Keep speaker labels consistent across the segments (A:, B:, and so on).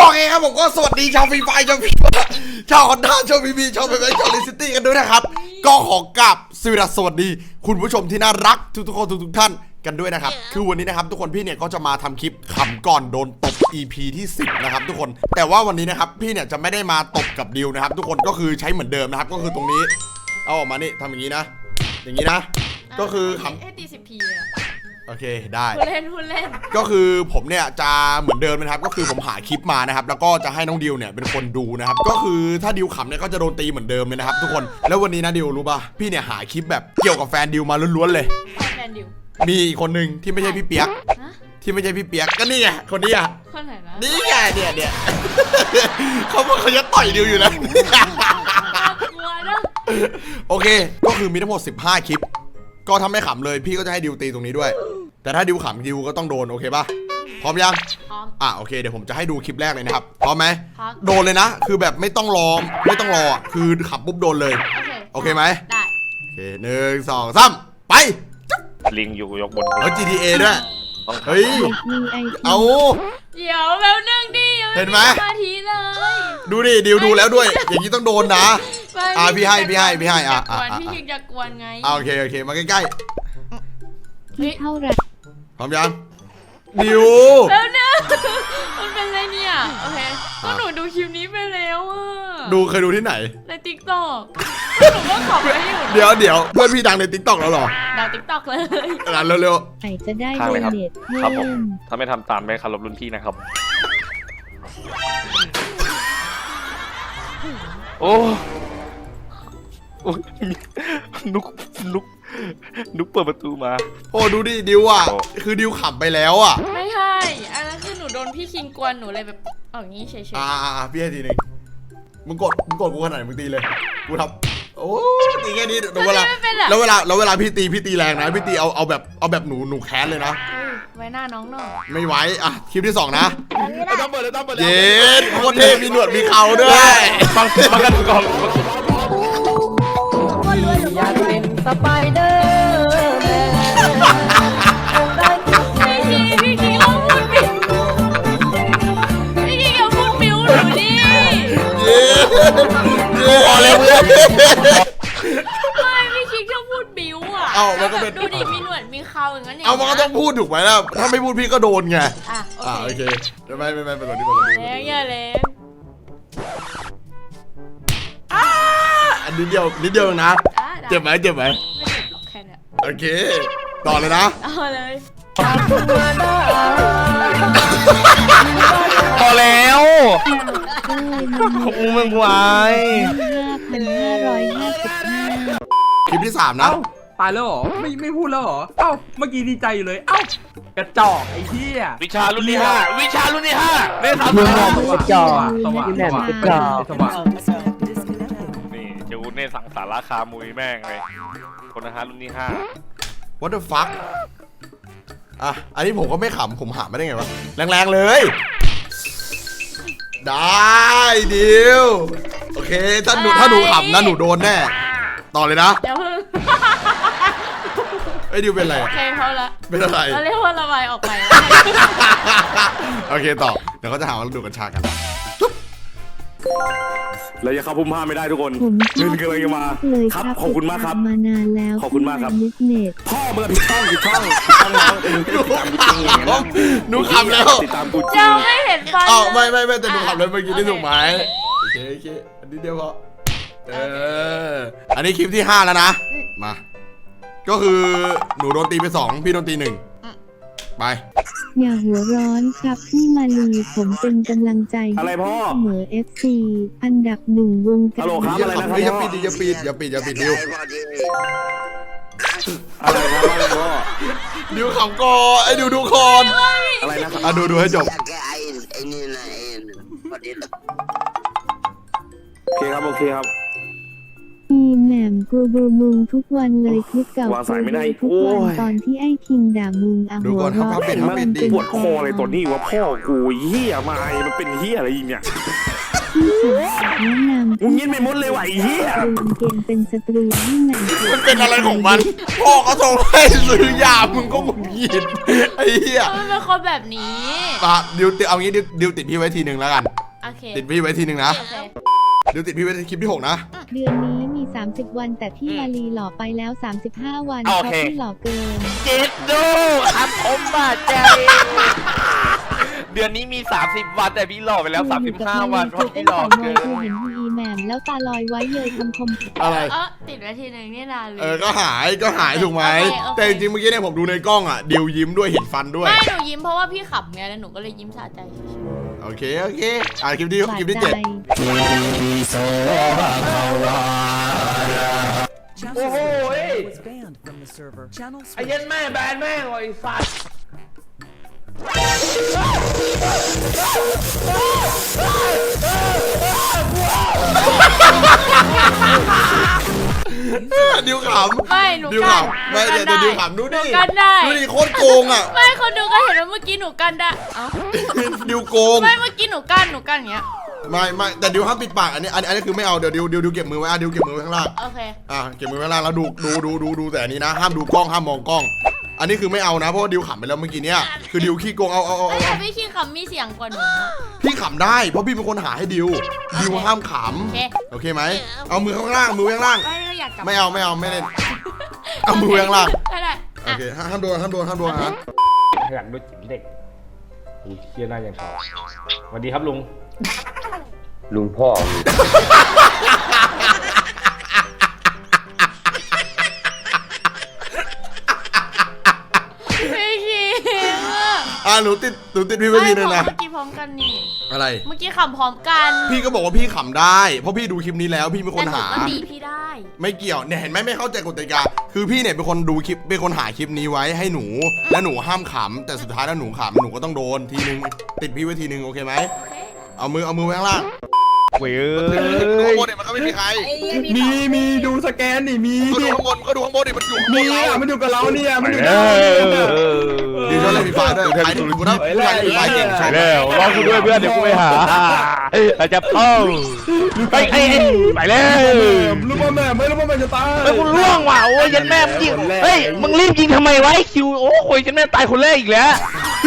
A: โอเคครับผมก็สวัสดีชาวฟรีไฟชาวชาวคอนด้าชาวพีบีชาวเบย์ชาวลิซิตี้กันด้วยนะครับก็ขอกราบสวัสดีคุณผู้ชมที่น่ารักทุกคนทุกท่านกันด้วยนะครับคือวันนี้นะครับทุกคนพี่เนี่ยก็จะมาทำคลิปขำก่อนโดนตบ EP ที่10นะครับทุกคนแต่ว่าวันนี้นะครับพี่เนี่ยจะไม่ได้มาตบกับดิวนะครับทุกคนก็คือใช้เหมือนเดิมนะครับก็คือตรงนี้เอาออกมานี่ทำอย่างนี้นะอย่างนี้นะก็คือขำ
B: ให้ตี10 ทีเลย
A: โอเคได้
B: พูดเล่น
A: ก็คือผมเนี่ยจะเหมือนเดิมนะครับก็คือผมหาคลิปมานะครับแล้วก็จะให้น้องดิวเนี่ยเป็นคนดูนะครับก็คือถ้าดิวขำเนี่ยก็จะโดนตีเหมือนเดิมเลยนะครับทุกคนแล้ววันนี้นะดิวรู้ป่ะพี่เนี่ยหาคลิปแบบเกี่ยวกับแฟนดิวมาล้วนๆเลย
B: แฟนดิว
A: มีอีกคนหนึ่งที่ไม่ใช่พี่เปียกที่ไม่ใช่พี่เปียกก็นี่ไงคนนี้อ่ะ
B: คนไหนนะ
A: นี่ไงเนี่ยเขาบอกเขาจะต่อยดิวอยู่นะโอเคก็คือมีทั้งหมด15คลิปก็ทำให้ขำเลยพี่ก็จะให้ดิวตีตรงนี้ด้วยแต่ถ้าดิวขำดิวก็ต้องโดนโอเคป่ะพร้อมยัง
B: พร้อม
A: โอเคเดี๋ยวผมจะให้ดูคลิปแรกเลยนะครับพร้อมไหมโดนเลยนะคือแบบไม่ต้องรอคือขำปุ๊บโดนเลยโอเคไหม
B: ได้
A: โอเค1 2 3ไป
C: ลิงอยู่ยกบน
A: GTA ด้วยเฮ้ยเอา
B: เดี๋ยวแป๊บนึงดิ
A: เห็นไหม
B: มาทีเลย
A: ดูดิดิวดูแล้วด้วยอย่างนี้ต้องโดนนะพี่ให้
B: พี่คิงจะกวนไง
A: โอเคมาใกล้
D: ๆเท่าไร
A: พร้อมยังดิว
B: แล้วเนี่ยมันเป็นอะไรเนี่ยโอเคก็หนูดูคลิปนี้ไปแล้ว
A: เคยดูที่ไหน
B: ใน TikTok หนูก็ขอบไปอยู่
A: เดี๋ยวเพื่อนพี่ดังใน TikTok แล้วหรอ
B: ดัง TikTok เลย
A: เร็ว
D: ใครจะได้โดเนท
C: ครับผมถ้าไม่ทำตามไม่เคารพรุ่นพี่นะครับโอ้นุกเปิดประตูมา
A: โอ้ดูดิดิวคือดิวขำไปแล้ว
B: ไม่ใช่อันนั้นคือหนูโดนพี่คิงกวนหนูเลยแบบอย่างนี้เฉย
A: ๆพี่ให้ทีนึงมึงกดกูขนาดไหนมึงตีเลยกูทำโอ้ตีแค่นี้เวลาแล้วเวลาพี่ตีแรงนะพี่ตีเอาแบบหนูแค้นเลยนะ
B: ไว้หน้าน้องหน่อย
A: ไม่ไว้คลิปที่2นะต้องเปิดเย็นโคตรเท่มีหนวดมีเขาด้วย
C: มากันก่อน
D: อยากเป็นสไปเดอร์แมน
B: พี่คิงลองพูดบิวพี่คิงอย่าพูดบิวหนูดิ
A: พอแล้วเพื่อน
B: ไม่พี่คิงชอบพูดบิว
A: มันก็เป็น
B: ดูดิมีหนวดมีเขาอย่างนั้น
A: มันก็ต้องพูดถูกไหมล่ะถ้าไม่พูดพี่ก็โดนไงโอเคไม่เป็นไร
B: อย่าเลย
A: อันนิดเดียวนะเจ็บไหม
B: ไม่เจ็บหรอกแค่นี้
A: โอเคต่อเลยนะ
B: เลย
C: พอแล้วมึงไว้
A: 5,555คลิปที่3นะ
E: ตายแล้วเหรอไม่พูดแล้วเหรอเมื่อกี้ดีใจอยู่เลยกระจอกไอ้เหี้ย
C: วิชารุ่นที่5เล่น
E: 3กระจอกสว่างนี่
C: เจ้าเน่สังสาราคามุยแม่งเลยคนนะฮะรุ่นที่5
A: What the fuck อันนี้ผมก็ไม่ขำผมหาไม่ได้ไงวะแรงๆเลยได้ดิวโอเคถ้าหนูขำนะหนูโดนแน่ต่อเลยนะ
B: เดี๋ยว
A: ไอ้ดิวเป็นอะไร
B: เขาละ
A: เป็นอะไร
B: เราเรียกว่าระบายออกไป
A: โอเคต่อเดี๋ยวเขาจะหาว่าเราดูกัญชากัน
C: แล้วจะเข้าพุ่มผ้าไม่ได้ทุกคนเงินกำลังจะมาครับขอบคุณมากครับ
D: มานานแล้ว
C: ขอบคุณมากครับพ่อเมื่อผิดช่อง
A: หนูขำแล้ว
C: ติดตามกู
B: จริงไม่เห็นฟัน
A: ไม่แต่หนูขำเลยเมื่อกี้ได้ถูกไหมโอเคอันนี้เดียวพออันนี้คลิปที่5แล้วนะมาก็คือหนูโดนตีไป2พี่โดนตี1ไป
D: อย่าหัวร้อนครับพี่มาลีผมเป็นกำลังใจ
C: อะไรพ่อ
D: เสมอ FC อันดับ1วงการ
A: อย่าปิดดิว
C: อะไรครับพ่อ
A: ดิวขำก่อนไอ้ดิวดูคอน
C: อะไรนะครับ
A: ดูให้จบ
C: โอเคครับ
D: อีแหม่มกูดูมึงทุกวันเลยคลิปเก่ากูดูทุกวันตอนที่ไอ้คิงด่ามึง
A: หัวเราะ
C: มันปวดคออะไรตัวนี้วะพ่อกูเหี้ยมามันเป็นเหี้ยอะไรอีกเนี่ย
D: แนะนำ
C: มึงยินไม่หมดเลยว่ะเหี้ย
D: เกมเป็นศัตรูที่ไหน
A: มันเป็นอะไรของมันพ่อเขาส่งให้ซื้อยามึงก็หงุดหงิดยินไอ้เหี้ย
B: มันเป็นคนแบบนี้
A: มาดิวติดเอางี้ดิวติดพี่ไว้ทีหนึ่งแล้วกัน
B: โอเค
A: ติดพี่ไว้ทีหนึ่งนะ
B: โอเค
A: ดิวติดพี่ไว้คลิปที่ 6นะ
D: เดือนนี้มี 30 วันแต่พี่มาลีหล่อไปแล้ว 35 วันเพราะพี่หล่อเกิน
C: เจ็ดดูครับผมบาดใจเดือนนี้มี30 วันแต่พี่หล่อไปแล้ว35 วันเพราะพี่หล่อเกิน
D: กูเห็นอีแหม่มแล้วตาลอยไว้เลยคำคม
A: อะไร
B: ติดไว้ทีหนึ่งนี่นานเลย
A: ก็หายถูกไหม
B: โอเค
A: แต่จริงๆเมื่อกี้เนี่ยผมดูในกล้องอ่ะดิวยิ้มด้วยเห็นฟันด้วย
B: ไม่หนูยิ้มเพราะว่าพี่ขำไงแล้วหนูก็เลยยิ้มสะใจเฉย
A: โอเคคลิปที่
D: บาด
A: คลิปที่
D: ใจ
A: 7
E: โอ้โห
F: was banned from the server. Channel
E: ไอ้เย็นแม่แบนแม่งไอ้สัตว์
A: ดิวขำ
B: ไม่หนู
A: ดิว
B: กัน
A: ขำไม่เดี๋ยวดิวขำดู
B: หนู
A: ดิ
B: กันได้
A: ดูดิโคตรโกงอ่ะ
B: ไม่คนดูก็เห็นว่าเมื่อกี้หนูกันได้เอ้า
A: ดิวโกง
B: ไม่เมื่อกี้หนูกันอย่างเงี้ย
A: ไม่แต่ดิวห้ามปิดปากอันนี้คือไม่เอาเดี๋ยวดิวเก็บมือไว้ดิวเก็บมือไว้ข้างล่าง
B: โอเค
A: เก็บมือไว้ข้างล่างแล้วดูแต่อันนี้นะห้ามดูกล้องห้ามมองกล้อง อันนี้คือไม่เอานะเพราะว่าดิวขำไปแล้วเมื่อกี้เนี้ยคือดิวขี้โกงเอา
B: แต่พี่คิงขำมีเสียงกว่าหนู
A: พี่ขำได้เพราะพี่เป็นคนหาให้ดิวห้ามข
B: โอเค
A: ำโอเคไหมเอามือข้างล่างมือข้างล่าง
B: ไม่ก็อยากกลับ
A: ไม่เอาไม่เล่นเอามือข้างล่าง
B: ได้
A: โอเคห้ามโดนนะ
G: อยากดูจิ๋มเด็กกูเชี่ยหน้ายังชอบสวัสดีครับลุง
H: ลุงพ่อ
B: พี่คิง
A: หนูติดพี่ไว้ทีนึงนะ
B: เมื่อกี้พร้อมกันนี่
A: อะไร
B: เมื่อกี้ขำพร้อมกัน
A: พี่ก็บอกว่าพี่ขำได้เพราะพี่ดูคลิปนี้แล้วพี่เป็นคนหา
B: แต่หนูก็ตีพี่ได้
A: ไม่เกี่ยวเนี่ยเห็นไหมไม่เข้าใจกฎกติกาคือพี่เนี่ยเป็นคนดูคลิปเป็นคนหาคลิปนี้ไว้ให้หนูและหนูห้ามขำแต่สุดท้ายแล้วหนูขำหนูก็ต้องโดนทีนึงติดพี่ไว้ทีนึงโอเคไหม
B: โอเค
A: เอามือไว้ข้างล่าง
C: เว้ย
A: ดูข้างบนเนี่ยมันก็ไม่มีใคร
E: มีดูสแกนนี่มี
A: ก็ดูข้างบนดิมันอยู่ข้างบ
E: มี
A: นเรา
E: อ่ะมันอยู่กับเราเนี่ยมันอยู่
C: แล้
E: กับเรา
C: ว
A: ดีชอบเล่นฟีฟ่าด้วยใครที่กูนะใครที่ฟีฟ่าเก่งชอบ
C: แล้วรอกูด้วยเพื่อนเดี๋ยวกูไปหาอาจจะเข้าไปไปแล้ว
E: ลูกบอลแม่ไม่ลูกบอลแม่จะตาย
C: ไปกูล่วงว่ะโอ้ยยันแม่มึงยิงเฮ้ยมึงรีบยิงทำไมวะไอ้คิวโอ้ยยันแม่ตายคนแรกอีกแล้ว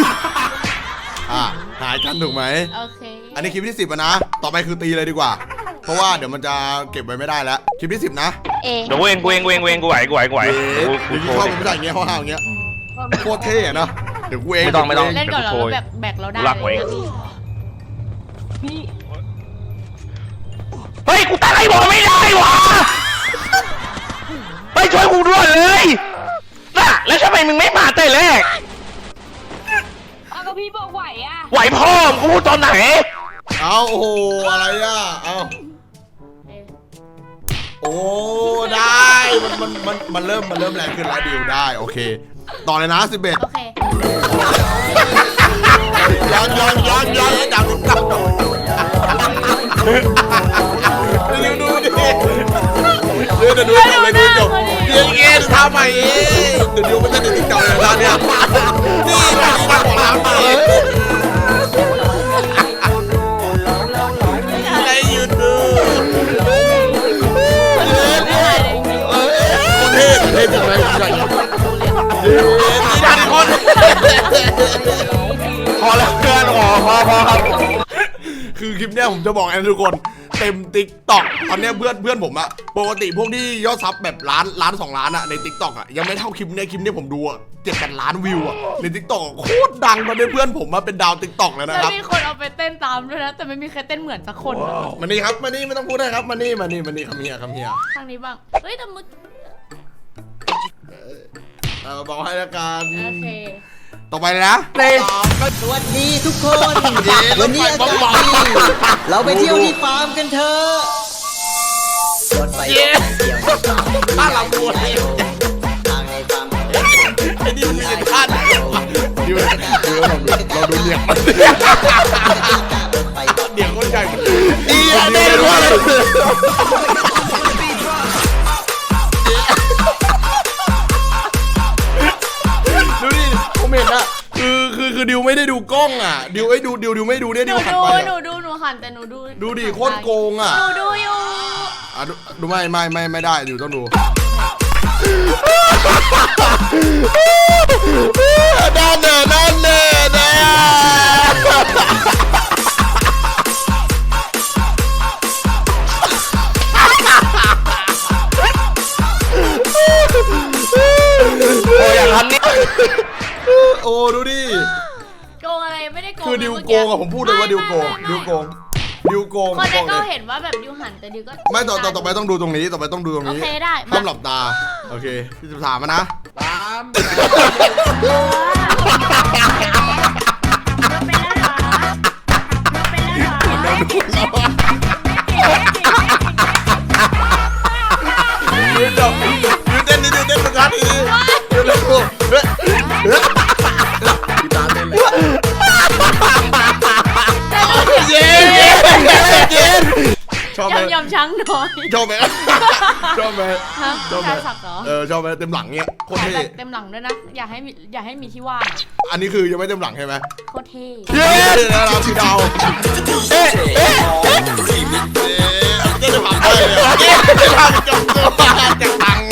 A: หายกันถูกไหม
B: โอเค
A: อันนี้คลิปที่ 10นะต่อไปคือตีเลยดีกว่า เพราะว่าเดี๋ยวมันจะเก็บไว้ไม่ได้แล้วคลิปที่ 10นะ
C: เดี๋ยวกูเองกูไหว
A: เดี๋ยวที่ชอบมันไม่ใช่อย่างเงี้ยห้าวๆอย่างเงี้ยโคตรเท่อะนะเดี๋ยวกูเอง
C: ไม่ต้อง
B: เล่นก่อนเราแบกเราได้
C: รักไว้
B: เลยนะพี่
C: เฮ้ยกูตั้งไอ้บอกไม่ได้วะไปช่วยกูด้วยเลยน่ะแล้วทำไมมึงไม่มาแต่แรก
B: เอาก็พี่บอกไหวอ่ะ
C: ไหวพ่อมึงกูพูดตอนไหน
A: เอาโอ้โหอะไรอ่ะเอาโอ้ได้มันเริ่มแรงขึ้นแล้วดิวได้โอเคต่อเลยนะ11
B: โอเค
A: ย้อนดังดิวดูดิเดี๋ยวดูจบเลยดูจบเดี๋ยวเอ็นทำใหม่เองเดี๋ยวดิวมันจะติดจบเลยตอนเนี้ยนี่ทำของเราเองอะไรอยู่ดูเท่จังเลยใหญ่ดันคนพอแล้วเพื่อนพอครับคือคลิปเนี้ยผมจะบอกให้ทุกคนเต็มติ๊กต็อกตอนเนี้ยเพื่อนผมอะปกติพวกที่ยอดซับแบบล้าน2 ล้านอะในติ๊กต็อกอะยังไม่เท่าคลิปเนี้ยผมดูอะ7-8 ล้านวิวอะในติ๊กต็อกโคตรดังตอนนี้เพื่อนผมมาเป็นดาวติ๊กต็อกแล้ว
B: แล้
A: นะ
B: ว
A: ครับ
B: มีคนเอาไปเต้นตามด้วยนะแต่ไม่มีใครเต้นเหมือนสักคนอะ
A: มานี่ครับมานี่ไม่ต้องพูดได้ครับมานี่คำเฮีย
B: ข้างนี้บ้างเฮ้ยแต่มึง
A: บอกให้ละกัน
B: โอเค
A: ต่อไปเลยนะ
I: สวัสดีทุกคน วันนี้อากาศดีเราไปเที่ยวที่ฟาร์มกันเถอะรถไฟเที่ยวในฟาร์ม
A: บ้านเราบัว
I: ทางในฟาร์ม
A: ไอ้นี่มันมีเงินค่าไหนวะดิวเราดูเนี่ยมัน
I: รถไฟ
A: เดี๋ยวคนใหญ่ดีอ่ะเด็กว่าดูดิผมเห็นอะคือดิวไม่ได้ดูกล้องอ่ะดิวไม่ดูเนี่ย
B: หนู
A: ดิวหัน
B: ดู
A: ไป
B: หนูหันแต่หนูดู
A: ดูดิโคตรโกงอ่ะ
B: หนูดูอยู่
A: ดูไม่ได้ดิวต้องดูนั่นแน่
C: โอ้ยอย่างนั้นนี่
A: โอ้ดูดิ
B: โกงอะไรไม่ได้โกง
A: คือดิวโกงอะผมพูดเลยว่าดิวโกงดิวโกงดิวโกง
B: คนนั้น
A: เล
B: ก็
A: ย
B: เห็นว่าแบบดิวหันแต่ดิวก็
A: ไม่ต่อไปต้องดูตรงนี้ต่อไปต้องดูตรง
B: โอ
A: นี้
B: เคได้
A: ห้ามหลับตาโอเคพี่จะถามมานะ
E: ตาม
B: เป็นแล้วเหรอเป็นแล้วเหรอ
A: ยืนเต้นสักนาทียืนเร็วพี่ตาเต้นเลยเย้ชอบไหม
B: ยำช้างน้อย
A: ชอบไหมชอบไหม
B: ฮะ
A: ชอบไหม
B: ชายสักเหรอ
A: ชอบไหมเต็มหลังเงี้ยโคตรเท่
B: เต็มหลังด้วยนะอยากให้มีที่ว่างอะ
A: อันนี้คือยังไม่เต็มหลังใช่ไหม
B: โคตรเท่
A: เย้แล้วเราพี่ดาวเจ๊จะผ่านได้เลยเจ๊จะผ่านจบตัวจากตัง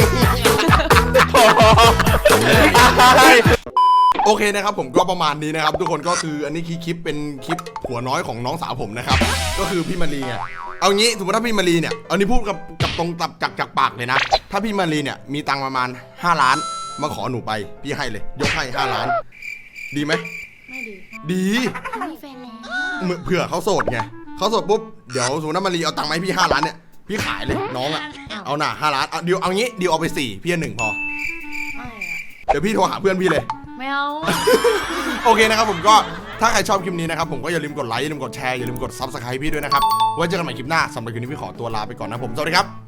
A: โอเคนะครับผมก็ประมาณนี้นะครับทุกคนก็คืออันนี้คลิปเป็นคลิปผัวน้อยของน้องสาวผมนะครับก็คือพี่มารีไงเอางี้สมมติถ้าพี่มารีเนี่ยเอานี้พูดกับตรงจากปากเลยนะถ้าพี่มารีเนี่ยมีตังค์ประมาณ5 ล้านมาขอหนูไปพี่ให้เลยยกให้5 ล้านดีไหม
B: ไม่ดี
A: ดี
B: เขามีแฟนแล้ว
A: เผื่อเขาโสดไงเขาโสดปุ๊บเดี๋ยวสมมติว่ามารีเอาตังค์มาให้พี่5 ล้านเนี่ยพี่ขายเลยน้องอ่ะเอาหน่า5 ล้านเอาดิวเอางี้ดิวเอาไป4พี่1พอ
B: ไม่อะ
A: เดี๋ยวพี่โทรหาเพื่อนพี่เลย
B: ไม่เอา
A: โอเคนะครับผมก็ถ้าใครชอบคลิปนี้นะครับผมก็อย่าลืมกดไลค์อย่าลืมกดแชร์อย่าลืมกด Subscribe พี่ด้วยนะครับไว้เจอกันใหม่คลิปหน้าสำหรับคลิปนี้พี่ขอตัวลาไปก่อนนะผมสวัสดีครับ